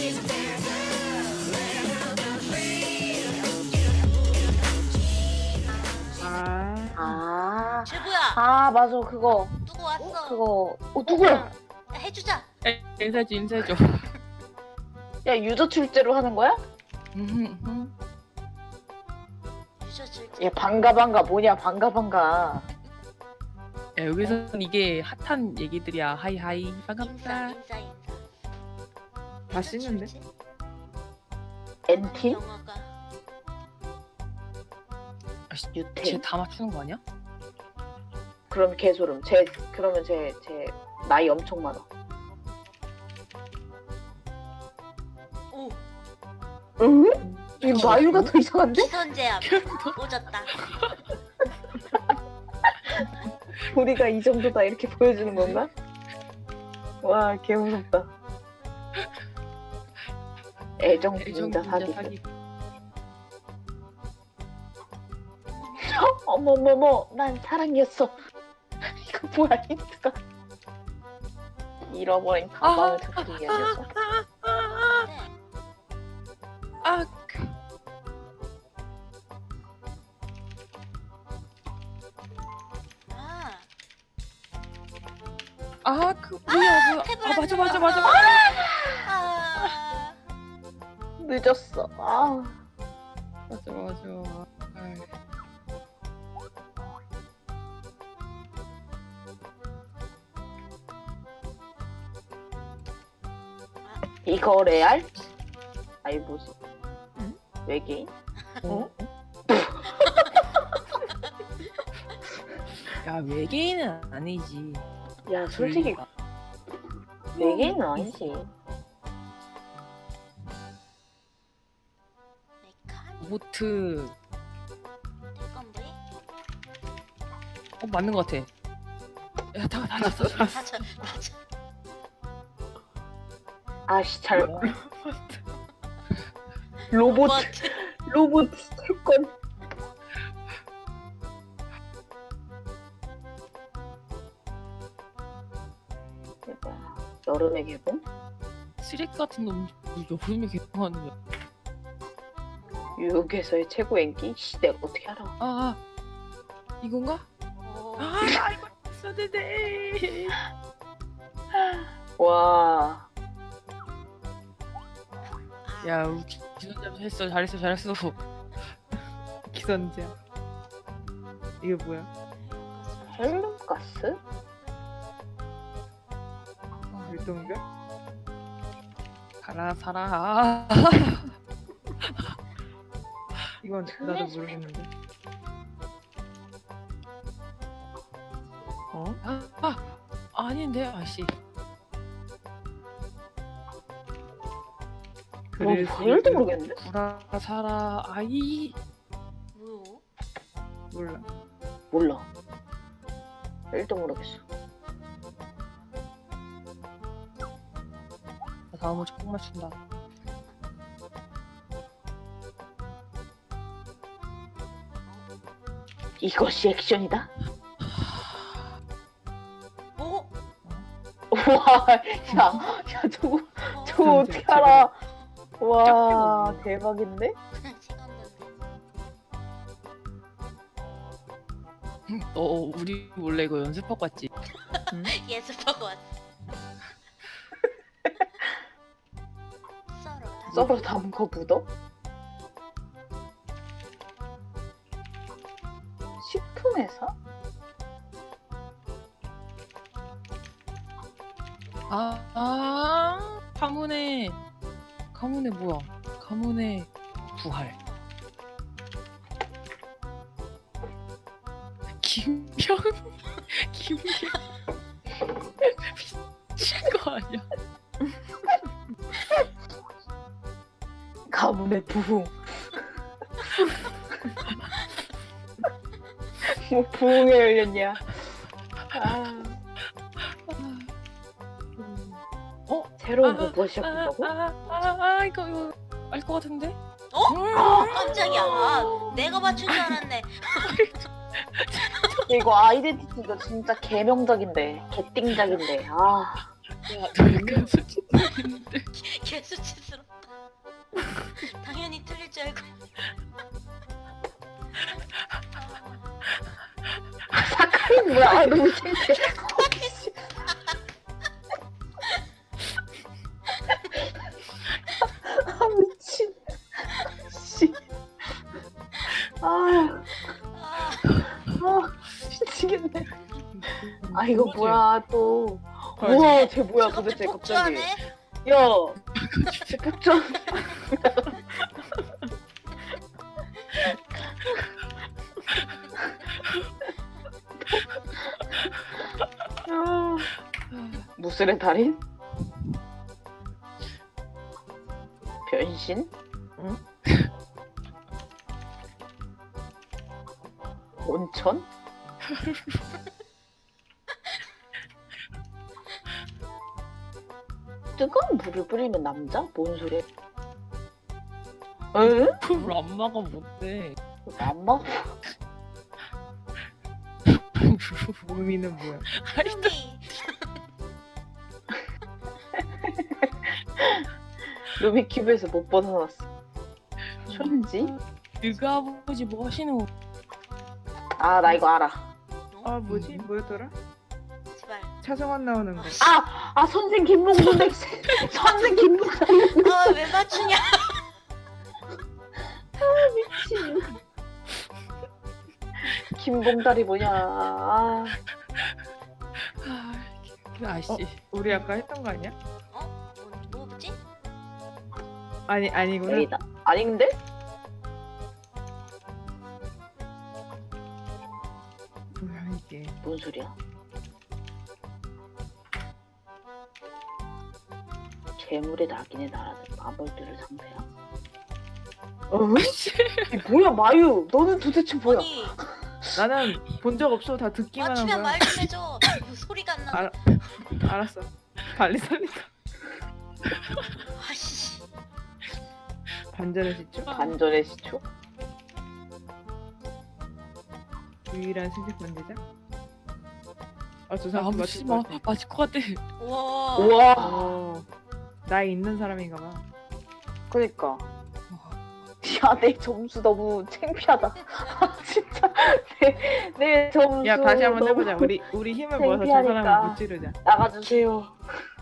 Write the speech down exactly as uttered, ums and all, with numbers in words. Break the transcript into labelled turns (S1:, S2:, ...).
S1: 아,
S2: 아,
S3: 제부야
S2: 아 맞아 그거
S3: 누구 왔어?
S2: 그거 어 누구야?
S3: 야, 해주자.
S1: 인사해줘, 인사해줘.
S2: 야 유저 출제로 하는 거야?
S1: 음,
S3: 유저 줄.
S2: 야 반가 반가 뭐냐 반가 반가.
S1: 야, 여기서는 이게 핫한 얘기들이야. 하이 하이,
S3: 인사
S1: 반갑다.
S3: 인사 인사.
S1: 다 씻는데?
S2: 엔팀?
S3: 영화가
S2: 유템?
S1: 쟤 다 맞추는 거 아니야?
S2: 그럼 개소름. 제 그러면 제 제 나이 엄청 많아.
S3: 오
S2: 응? 지금 나이가 더 이상한데?
S3: 시선 제압 오졌다.
S2: 우리가 이 정도다 이렇게 보여주는 건가? 와 개무섭다. 애정 분자 사기. 어머머머 난 사랑이었어. 이거 뭐야 힌트가. 잃어버린 가방을 찾기 위한 녀석.
S3: 네.
S1: 아, 그,
S3: 아
S1: 아, 그 뭐야, 뭐야.
S3: 탭을
S1: 아,
S3: 안
S1: 맞아, 맞아,
S3: 눌렀어.
S1: 맞아, 맞아.
S3: 아
S2: 늦었어. 아
S1: 맞아, 맞아. 아이.
S2: 이거 레알? 아이 뭐지?
S1: 응?
S2: 외계인?
S1: 어? 야, 외계인은 아니지.
S2: 야 솔직히
S1: 둘리가.
S2: 외계인은 아니지.
S3: 메칸
S1: 로보트.
S3: 건데.
S1: 어, 맞는 것 같아. 야, 다 맞았어. 맞았어.
S3: 맞아 맞아.
S2: 아씨 잘
S1: 뭐?
S2: 로봇
S3: 로봇.
S2: 로봇 채권. 대박. 여름에 개봉?
S1: 쓰레기 같은 놈 여름에 개봉하는 거야.
S2: 뉴욕에서의 최고 인기? 씨 내가 어떻게 알아?
S1: 아, 아 이건가?
S3: 오.
S1: 아, 나 이거 있었는데.
S2: 와
S1: 야, 우리 기- 기선제압 했어. 잘했어, 잘했어. 기선제압. 이게 뭐야?
S2: 헬륨가스?
S1: 아, 일동별? 가라, 살아. 아. 이건 나도 모르겠는데. 어? 아, 아 아닌데, 아씨.
S2: 뭐 일도 모르겠는데?
S1: 구라 살아 아이
S3: 뭐요?
S1: 몰라.
S2: 몰라. 일도 모르겠어.
S1: 나 다음으로 꼭 맞춘다.
S2: 이것이 액션이다?
S3: 오.
S2: 와, 야, 야, 저거,
S3: 어.
S2: 저거 어떻게 알아? 와, 대박인데?
S3: 시간 던데.
S1: 너 우리 원래 이거 연습하고 왔지? 응?
S3: 예습하고 왔어. 썰어 다시.
S2: 썰어 담은 거 묻어? 식품회사?
S1: 아, 아 가문의 가문의 뭐야? 가문의 부활. 김병 김병 미친 거 아니야?
S2: 가문의 부흥. 뭐 부흥에 열렸냐? 아,
S1: 어?
S2: 새로운
S1: 아,
S2: 거 뭐 시작한다고?
S1: 아, 아, 아, 이거 이거 알 것 같은데?
S3: 어? 아, 깜짝이야. 아, 내가 맞춘 줄 알았네.
S2: 이거 아이덴티티가 진짜 개명작인데, 개띵작인데. 아,
S1: 야, 너 약간 수치인데.
S3: 개수치스러. 줄 알고.
S2: 사카린 뭐야? 아, 너무 창피해. 아 미친. 씨. 아,
S3: 아,
S2: 아 미치겠네. 아 이거 뭐야 또.
S1: 아,
S2: 우와 쟤 뭐야
S3: 저것도
S2: 도대체 갑자기.
S3: 폭주하네?
S2: 야. 쟤 폭주. 아, 무술의 달인? 변신?
S1: 응?
S2: 온천? 뜨거운 물을 뿌리면 남자? 뭔 소리야? 응?
S1: 그걸 안 막아 못돼.
S2: 안 먹어?
S4: 루미는 뭐야?
S3: 루미.
S2: 루미 큐브에서 못 벗어났어. 촌지?
S1: 그가 아버지 뭐 하시는 거?
S2: 아 나 이거 알아.
S4: 아 뭐지? 뭐였더라?
S3: 제발.
S4: 차성원 나오는 거.
S2: 아! 아 선생 김몽준 백세 선생 김몽준
S3: 아, 왜 맞추냐?
S2: 미친 김봉달이 뭐냐. 아,
S1: 아, 그 아씨.
S4: 어? 우리 아까 했던 거 아니야?
S3: 어? 뭐, 뭐지?
S4: 아니 아니구나.
S2: 에이다. 아니 근데?
S4: 뭐야 이게?
S2: 뭔 소리야? 재물의 낙인에 날아든 마물들을 상대야. 어? 이 뭐야 마유? 너는 도대체 뭐야?
S3: 아니,
S4: 나는 본 적 없어. 다 듣기만 한
S3: 맞추면
S4: 거야.
S3: 말 좀 해줘. 뭐 소리가 안 나.
S4: 알아. 알았어. 빨리 살리자.
S3: 아씨.
S4: 반전의 시초?
S2: 반전의 시초?
S4: 유일한 신식 반대자? 아저
S1: 아,
S4: 사람
S1: 무시
S4: 맞을
S1: 마.
S4: 것 같아.
S1: 맞을 것 같아.
S3: 우와.
S2: 우와.
S4: 어, 나이 있는 사람인가 봐.
S2: 그니까. 야, 내 점수 너무 창피하다. 아, 진짜. 내, 내 점수.
S4: 야 다시 한번
S2: 너무
S4: 해보자. 우리 우리 힘을 모아서 저
S2: 창피하니까.
S4: 사람을 무찌르자.
S2: 나가주세요.